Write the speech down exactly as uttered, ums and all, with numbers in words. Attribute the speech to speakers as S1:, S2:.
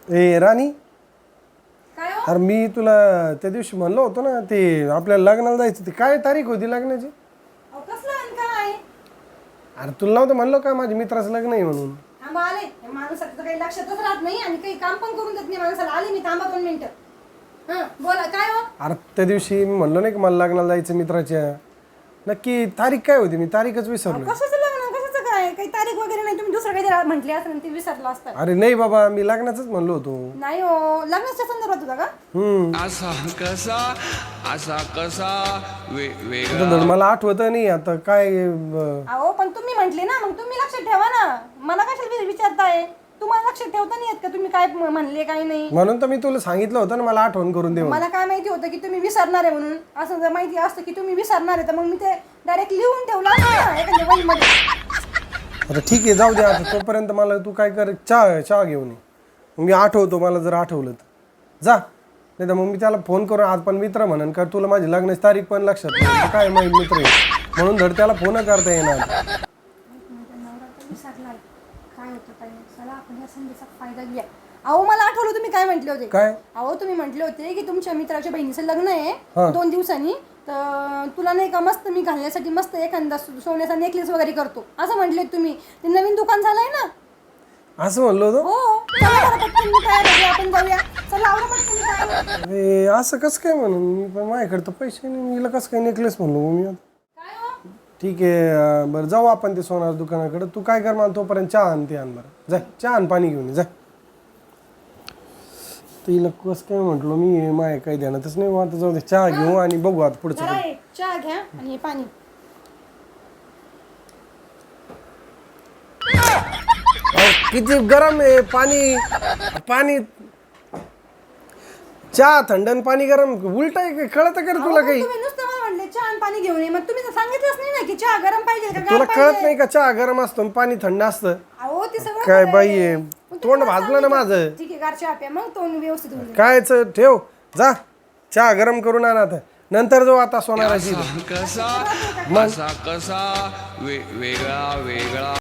S1: ए राणी,
S2: काय हो?
S1: अरे मी तुला त्या दिवशी म्हणलो होतो ना, ते आपल्याला लग्नाला जायचं, ते काय तारीख होती लग्नाची?
S2: अहो, कसलं आणि काय?
S1: अरे तुला नव्हतं म्हणलो का माझ्या मित्राचं लग्न आहे म्हणून?
S2: थांबा आले. या माणसाचं काही लक्षातच राहत नाही आणि काही काम पण करून देत नाही माणसाला. आले मी, थांबा दोन मिनिटं. हा बोला, काय हो?
S1: अरे त्या दिवशी मी म्हणलो नाही का मला लग्नाला जायचं मित्राच्या, नक्की तारीख काय होती? मी तारीखच विसरलो.
S2: कशाचं लग्न, कशाचं काय? काही तारीख वगैरे नाही. तुम्ही दुसरं काही म्हटले असं ते विसरलं असतं.
S1: अरे नाही बाबा, मी लग्नाचंच म्हणलो होतो.
S2: नाही हो, लग्नाच्या संदर्भात होता का?
S1: हम्म
S3: असा कसा असा कसा वे वेगळा
S1: आता धड मला आठवत नाही आता काय. ब-
S2: अहो पण तुम्ही म्हटले ना, मग तुम्ही लक्षात ठेवा ना. मला कशाला विचारताय? तुम्हाला लक्षात ठेवता नाही येत का तुम्ही काय म- म्हणले काय नाही?
S1: म्हणून तर मी तुला सांगितलं होतं ना मला आठवण करून दे म्हणून.
S2: मला काय माहिती होतं की तुम्ही विसरणार आहे म्हणून. असं जर माहिती असतं की तुम्ही विसरणार आहे तर मग मी ते डायरेक्ट लिहून ठेवलं असतं ना एखाद्या वहीमध्ये.
S1: आता ठीक आहे, जाऊ दे आता. तोपर्यंत मला तू काय कर, चहा चहा घेऊन ये. मग मी आठवतो, मला जर आठवलं तर जा. नाही तर मग मी त्याला फोन करून, आज पण मित्र म्हणन का तुला माझी लग्नाची तारीख पण लक्षात नाही, तर काय माहीत मित्र आहे म्हणून धड त्याला फोन करता येणार.
S2: विसरलाय काय होतं काय नाही. चला आपण या संधीचा फायदा घ्या. अहो मला आठवलं तुम्ही काय म्हटले होते.
S1: काय?
S2: अहो तुम्ही म्हटले होते की तुमच्या मित्राच्या बहिणीचं लग्न आहे
S1: हा.
S2: दोन दिवसांनी, तर तुला नाही का मस्त मी घालण्यासाठी मस्त एखादा सो- सोन्याचा नेकलेस वगैरे करतो असं म्हटले तुम्ही. ते नवीन दुकान झालंय ना.
S1: असं म्हणलो होतो?
S2: हो चला बरं पटकन, मी तयार आहे, आपण जाऊया. चला आवडा पटकन तयार आहे.
S1: अरे असं कसं काय म्हणून? मी पण माझ्याकडे तर पैसे नाही, मीला कसं काय नेकलेस म्हणलो मग मी आता.
S2: काय हो?
S1: ठीक आहे, अं, बरं जाऊ आपण ते सोनार दुकानाकडे. तू काय कर मला तोपर्यंत चहा आण, ते आण बरं. जाय चहा आण, पाणी घेऊन ये जाय. तिला कसं काय म्हटलो मी, माय काही ध्यानातच नाही. मग आता जाऊ दे, चहा घेऊ आणि बघू आता पुढचं
S2: जरा
S1: काय.
S2: एक चहा घ्या आणि हे पाणी.
S1: अहो, किती गरम आहे पाणी. पाणी चहा थंड आणि पाणी गरम, उलट आहे काय? कळत का रे तुला काही?
S2: तुम्ही नुसतं मला म्हणले चहा आणि पाणी घेऊन ये, मग तुम्ही तर सांगितलंच नाही ना की चहा गरम पाहिजे का गार
S1: तुला
S2: पाहिजे?
S1: कळत नाही का चहा गरम असतो आणि पाणी थंड असतं?
S2: अहो ते सगळं
S1: काय
S2: खरं
S1: बाई
S2: आहे.
S1: आहे,
S2: मग तुम्ही
S1: तोंड
S2: मला
S1: भाजलं ना
S2: सांगितलं.
S1: माझं.
S2: ठीक आहे, गार चहा प्या मग तोंड व्यवस्थित होऊन जाईल.
S1: कायच ठेव, जा चहा गरम करून आण आता. नंतर जाऊ आता सोनाराची.
S3: कसा असा कसा वे वेगळा वेगळा